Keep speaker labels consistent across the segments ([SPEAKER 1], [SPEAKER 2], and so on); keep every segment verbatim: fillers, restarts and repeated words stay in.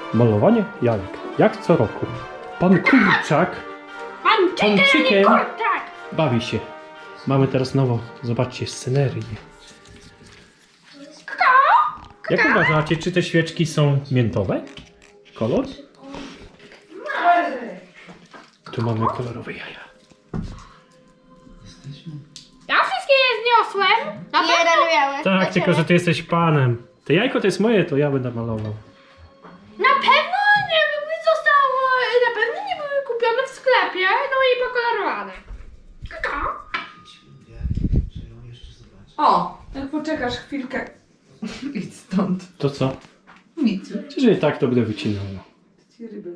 [SPEAKER 1] Malowanie jajek. Jak co roku. Pan Kurczak,
[SPEAKER 2] Pan
[SPEAKER 1] Pan
[SPEAKER 2] Chicken,
[SPEAKER 1] Chicken.
[SPEAKER 2] tak.
[SPEAKER 1] bawi się. Mamy teraz nowo, zobaczcie, scenerię. Jak uważacie, czy te świeczki są miętowe? Kolor? Tu mamy kolorowe jaja.
[SPEAKER 2] Ja wszystkie je zniosłem. Na pewno.
[SPEAKER 3] Jeden miałem.
[SPEAKER 1] Tak, tylko że ty jesteś panem. Te jajko to jest moje, to ja będę malował.
[SPEAKER 2] Na pewno nie były zostało, na pewno nie były kupione w sklepie, no i pokolorowane. Kaka.
[SPEAKER 4] O, jak poczekasz chwilkę. Idź stąd.
[SPEAKER 1] To co?
[SPEAKER 4] Nic.
[SPEAKER 1] Jeżeli tak, to będę wycinał.
[SPEAKER 4] Ci ryby.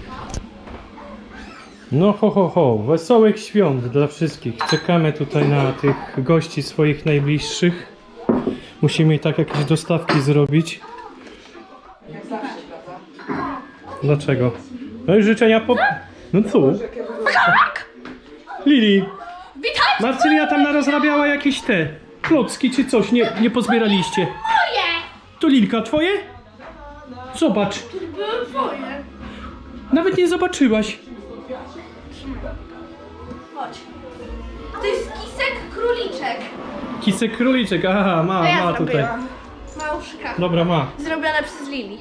[SPEAKER 1] No ho ho ho, wesołych świąt dla wszystkich. Czekamy tutaj na tych gości swoich najbliższych. Musimy i tak jakieś dostawki zrobić.
[SPEAKER 4] Jak zawsze, prawda?
[SPEAKER 1] Dlaczego? No i życzenia po... No co? Lili,
[SPEAKER 2] Witaj!
[SPEAKER 1] Marcelia tam narozrabiała jakieś te klocki czy coś, nie, nie pozbieraliście.
[SPEAKER 2] Moje!
[SPEAKER 1] To Lilka, twoje? Zobacz.
[SPEAKER 2] Były twoje.
[SPEAKER 1] Nawet nie zobaczyłaś.
[SPEAKER 3] Chodź. To jest kisek króliczek.
[SPEAKER 1] Kisek króliczek, aha, ma,
[SPEAKER 3] To ja
[SPEAKER 1] ma tutaj.
[SPEAKER 3] zrobiłam. Małżka.
[SPEAKER 1] Dobra, ma.
[SPEAKER 3] Zrobione przez Lili.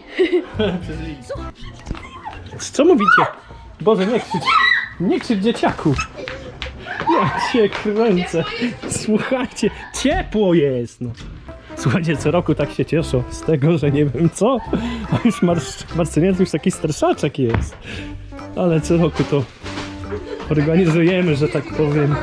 [SPEAKER 1] Co mówicie? Boże, nie krzycz. Nie krzycz, dzieciaku. Ja cię kręcę. Słuchajcie, ciepło jest. No. Słuchajcie, co roku tak się cieszę z tego, że nie wiem co. A już Marc- Marcelina to już taki starszaczek jest. Ale co roku to organizujemy, że tak powiem.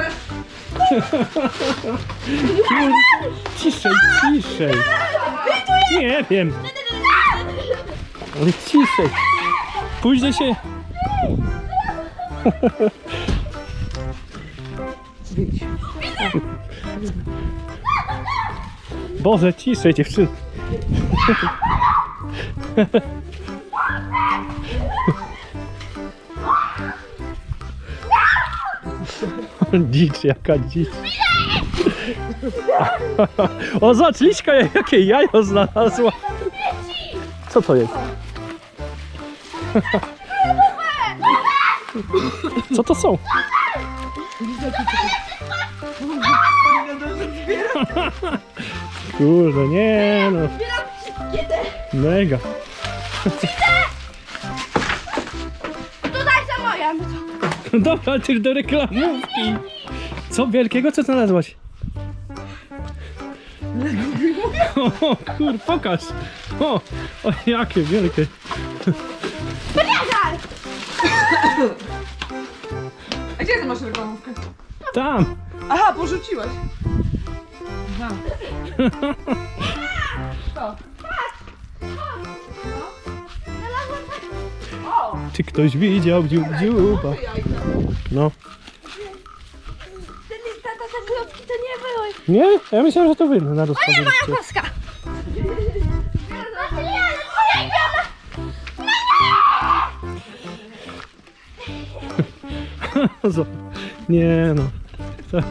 [SPEAKER 1] Ciszej, ciszej. Nie wiem. Ale ciszej. Później się... Boże, ciszej dziewczyny. Dzicz, jaka dzicz. O, zobacz, Liśka jakie jajo znalazła. Co to jest? Co to są? Kurde, nie no. Mega.
[SPEAKER 3] Tutaj są moje.
[SPEAKER 1] Dobra, ty do reklamówki. Co wielkiego, co znalazłaś? O kur, pokaż. O, o jakie wielkie.
[SPEAKER 4] A gdzie ty masz reklamówkę?
[SPEAKER 1] Tam.
[SPEAKER 4] Aha, porzuciłaś. Aha. Co? O!
[SPEAKER 1] Czy ktoś widział dziób dziuba? No.
[SPEAKER 3] Tata, te klocki to nie były.
[SPEAKER 1] Nie? Ja myślałem, że to wy na rozpoczęliście.
[SPEAKER 3] Paska.
[SPEAKER 1] Nie no. To...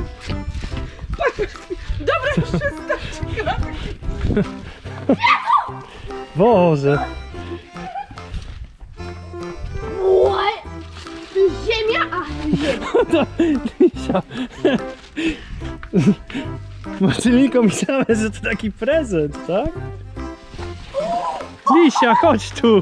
[SPEAKER 4] Dobra, już przestańcie grać.
[SPEAKER 1] Boże.
[SPEAKER 3] What? Ziemia, a ziemia.
[SPEAKER 1] Lisia. Marcelinko, myślałem, że to taki prezent, tak? Lisia, chodź tu.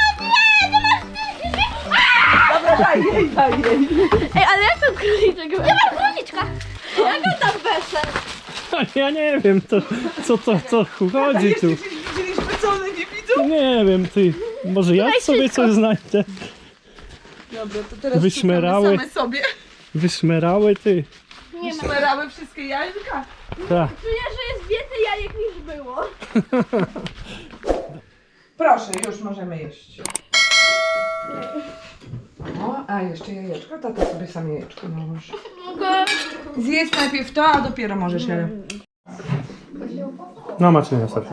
[SPEAKER 4] Dobra, daj jej, daj jej.
[SPEAKER 3] Ej, ale jak to króliczek? Ja mam króliczka. Jak on tam weszedł?
[SPEAKER 1] Ja nie wiem, to, co to co chodzi tu.
[SPEAKER 4] Jeszcze gdzieś widzieliśmy, co one nie widzą?
[SPEAKER 1] Nie wiem, ty. Może ja
[SPEAKER 3] Daj
[SPEAKER 1] sobie
[SPEAKER 3] wszystko.
[SPEAKER 1] coś znajdę.
[SPEAKER 4] Dobra, to teraz
[SPEAKER 1] Wyszmerały.
[SPEAKER 4] szukamy same sobie.
[SPEAKER 1] Wyszmerały ty.
[SPEAKER 3] Nie ma.
[SPEAKER 4] Szmerały wszystkie jajka.
[SPEAKER 1] Tak.
[SPEAKER 3] Czuję, że jest więcej jajek niż było.
[SPEAKER 4] Proszę, już możemy jeść. O, a jeszcze jajeczko, tata sobie sam jajeczko nałoży.
[SPEAKER 3] Mogę.
[SPEAKER 4] Zjedz najpierw to, a dopiero możesz je.
[SPEAKER 1] No Marcelina, starczy.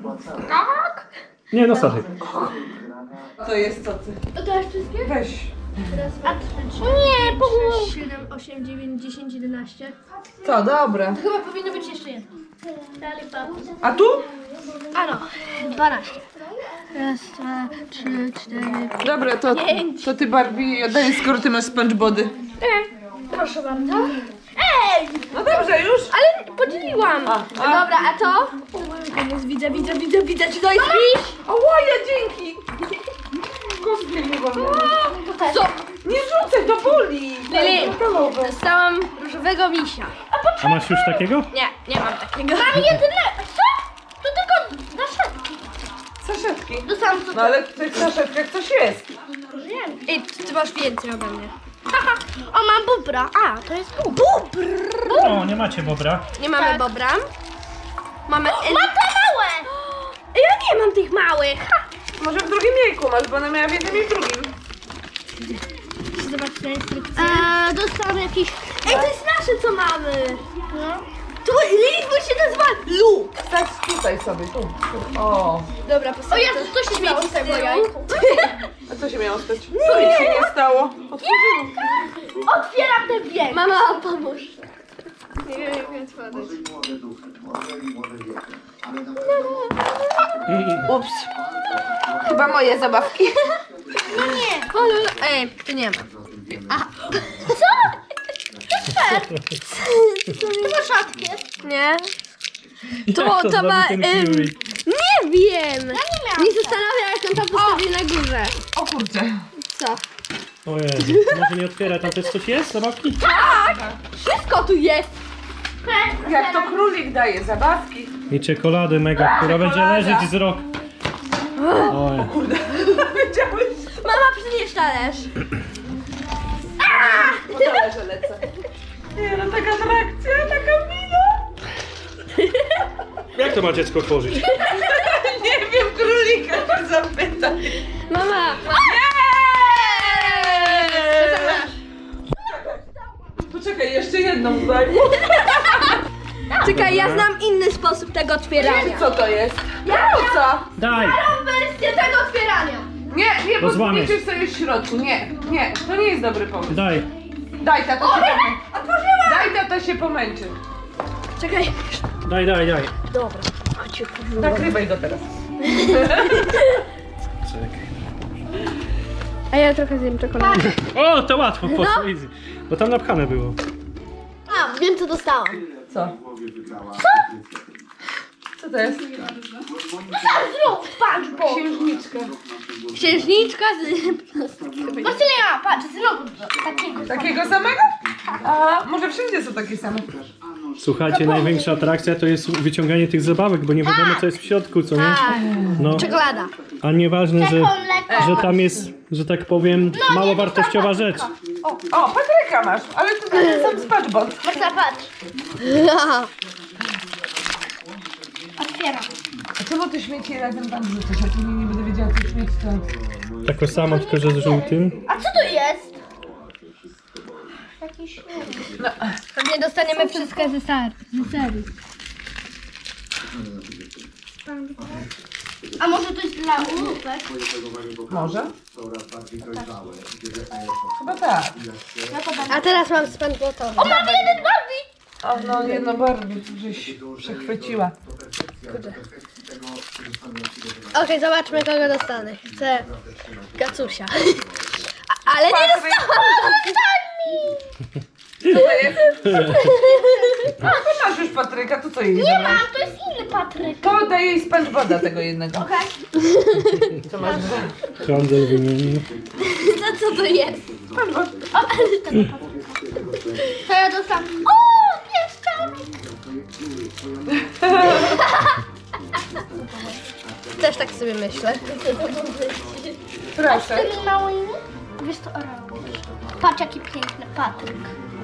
[SPEAKER 2] Tak?
[SPEAKER 1] Nie, no starczy.
[SPEAKER 4] To jest co ty?
[SPEAKER 3] To dasz wszystkie?
[SPEAKER 4] Weź.
[SPEAKER 3] Raz, dwa, trzy, cztery, nie, pięć, sześć, siedem, osiem, dziewięć, dziesięć, jedenaście.
[SPEAKER 4] To dobra.
[SPEAKER 3] To chyba powinno być jeszcze jedno. Dalej, papu.
[SPEAKER 4] A tu?
[SPEAKER 3] A no, dwanaście. Raz, dwa, trzy, cztery,
[SPEAKER 4] Dobra, to, to ty Barbie oddaję, skoro ty masz spongebody.
[SPEAKER 3] proszę bardzo. Ej!
[SPEAKER 4] No dobrze, już?
[SPEAKER 3] Ale podzieliłam.
[SPEAKER 4] A, a.
[SPEAKER 3] Dobra, a to? Widzę, widzę, widzę, widzę, czy to jest pisz?
[SPEAKER 4] O, łaja, dzięki! Kostkę nie wolno.
[SPEAKER 3] Co?
[SPEAKER 4] Nie rzucaj, to boli!
[SPEAKER 3] Lili,
[SPEAKER 4] Metalowe.
[SPEAKER 3] dostałam różowego misia.
[SPEAKER 1] A masz już takiego?
[SPEAKER 3] Nie, nie mam takiego. Mam jedyne. Co? To tylko na szafki.
[SPEAKER 4] Saszetki.
[SPEAKER 3] Dostałam to.
[SPEAKER 4] No ale w tych saszetkach coś jest.
[SPEAKER 3] Wiem. Ej, ty, ty masz więcej ode mnie. Haha. O, mam bubra. A, to jest bubr. Bubr.
[SPEAKER 1] O, nie macie bobra.
[SPEAKER 3] Nie mamy tak. bobra. Mamy... Mam te małe. Ja nie mam tych małych. Ha.
[SPEAKER 4] Może w drugim jajku masz, bo ona miała w jednym i w drugim.
[SPEAKER 3] Zobacz na instrukcję. Eee, dostałam jakiś... Ej, to jest nasze, co mamy. No. To Lilith, bo się nazywa Lu.
[SPEAKER 4] Stać tutaj sobie, tu. tu. O.
[SPEAKER 3] Dobra, postawię. O Jezu, co się świeci z tego jajku?
[SPEAKER 4] A co się miało stać? Co jej się nie stało? Otworzyło.
[SPEAKER 3] Otwieram ten wiek. Mama, pomóż. Nie wiem, jak otworzyć.
[SPEAKER 4] Ups. Chyba moje zabawki.
[SPEAKER 3] No nie. Kolor... Ej, tu nie ma. Aha. Co? To jest fair. To ma szatkę. Nie. To,
[SPEAKER 1] Jak to
[SPEAKER 3] to
[SPEAKER 1] zrobił
[SPEAKER 3] ma...
[SPEAKER 1] ten
[SPEAKER 3] Em,
[SPEAKER 1] Fury?
[SPEAKER 3] nie wiem. Ja nie miałam. Nie zastanawiam, jak on tam postawi na górze.
[SPEAKER 4] O kurczę.
[SPEAKER 3] Co?
[SPEAKER 1] O Jezu, może nie otwiera, tam też coś jest? Zabawki?
[SPEAKER 3] Tak! Wszystko tu jest.
[SPEAKER 4] Jak to królik daje, zabawki.
[SPEAKER 1] I czekoladę mega, która będzie
[SPEAKER 4] Czekolada.
[SPEAKER 1] leżeć z rok. Oj.
[SPEAKER 4] Wiedziałeś?
[SPEAKER 3] Mama, przynieś talerz.
[SPEAKER 4] Po talerze lecę. Nie no, taka atrakcja, taka mina.
[SPEAKER 1] Jak to ma dziecko tworzyć?
[SPEAKER 4] Nie wiem, królika się zapytaj.
[SPEAKER 3] Mama.
[SPEAKER 4] Poczekaj, jeszcze jedną daj.
[SPEAKER 3] Czekaj, ja znam inny sposób tego otwierania.
[SPEAKER 4] Co to jest?
[SPEAKER 3] Ja
[SPEAKER 4] Po co?
[SPEAKER 1] Daj!
[SPEAKER 3] mam wersję tego otwierania.
[SPEAKER 4] Nie, nie,
[SPEAKER 1] Bo
[SPEAKER 4] bo
[SPEAKER 1] złamiesz.
[SPEAKER 4] zmieścisz sobie w środku. Nie, nie, to nie jest dobry pomysł.
[SPEAKER 1] Daj!
[SPEAKER 4] Daj, tata się pomęczy.
[SPEAKER 3] Otworzyłam.
[SPEAKER 4] Daj, tata się pomęczy.
[SPEAKER 3] Czekaj.
[SPEAKER 1] Daj, daj, daj!
[SPEAKER 3] Dobra. Chodź,
[SPEAKER 4] Nakrywaj go teraz.
[SPEAKER 1] Czekaj.
[SPEAKER 3] a ja trochę zjem czekoladę.
[SPEAKER 1] O, to łatwo poszło, easy. Bo tam napchane było.
[SPEAKER 3] A, wiem co dostałam.
[SPEAKER 4] Co? Co to jest?
[SPEAKER 3] Zrób, patrz, bo.
[SPEAKER 4] Księżniczka.
[SPEAKER 3] Księżniczka z... Marcelina, patrz, zrób takiego.
[SPEAKER 4] Takiego samego? A może wszędzie są takie same.
[SPEAKER 1] Słuchajcie, największa atrakcja to jest wyciąganie tych zabawek, bo nie wiadomo co jest w środku, co nie? No,
[SPEAKER 3] Czekolada.
[SPEAKER 1] a nieważne, że, że tam jest, że tak powiem, mało wartościowa rzecz.
[SPEAKER 4] O, Patryka masz, ale to ten sam SpongeBob.
[SPEAKER 3] Marcela, patrz. Otwieram.
[SPEAKER 4] A czemu ty śmieci razem tam wrzucasz? Ja później nie będę wiedziała, co śmieci to...
[SPEAKER 1] Tako samo, tylko że z żółtym.
[SPEAKER 3] A co to jest? Jakiś...
[SPEAKER 4] No,
[SPEAKER 3] Pewnie dostaniemy wszystko ze, ser ze serii. A może to jest dla ulupek?
[SPEAKER 4] może? Chyba tak.
[SPEAKER 3] A teraz mam SpongeBoba. O, mam jeden Barbie!
[SPEAKER 4] O, no jedno Barbie, żeś przechwyciła.
[SPEAKER 3] Okej, okay, zobaczmy kogo dostanę. Chcę Gacusia. A, ale nie
[SPEAKER 4] Patryk.
[SPEAKER 3] dostałam!
[SPEAKER 4] Co to jest? A, to masz już Patryka, to co jej
[SPEAKER 3] Nie
[SPEAKER 4] zabrać?
[SPEAKER 3] mam, to jest inny Patryk.
[SPEAKER 4] To daj jej SpongeBoba tego jednego.
[SPEAKER 3] Okej.
[SPEAKER 4] Co masz?
[SPEAKER 1] Handel wymienił.
[SPEAKER 3] To co to jest?
[SPEAKER 4] SpongeBob.
[SPEAKER 3] O, ale to nie To ja dostałam. O, pieszczałek! Też tak sobie myślę.
[SPEAKER 4] Proszę.
[SPEAKER 3] tymi małymi? Wiesz to orał. Patrz jaki piękny Patryk.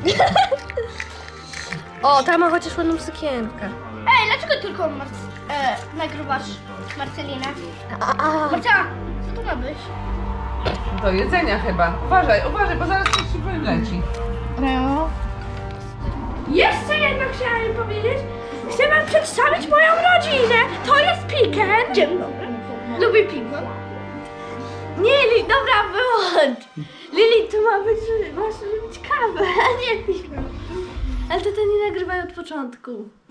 [SPEAKER 3] O, ta ma chociaż ładną sukienkę. Ej, dlaczego tylko Mar e, nagrywasz Marcelinę? Marcela, co to ma być?
[SPEAKER 4] Do jedzenia chyba. Uważaj, uważaj, bo zaraz coś ci wyleci.
[SPEAKER 3] No. Jeszcze jedno chciałem powiedzieć. Chcę wam przedstawić moją rodzinę. To jest Piken. Dzień dobry. Lubię piwo. Nie, Li, dobra, wyłącz. Lili, to ma być, masz robić kawę, a nie pić. Ale to, to nie nagrywaj od początku.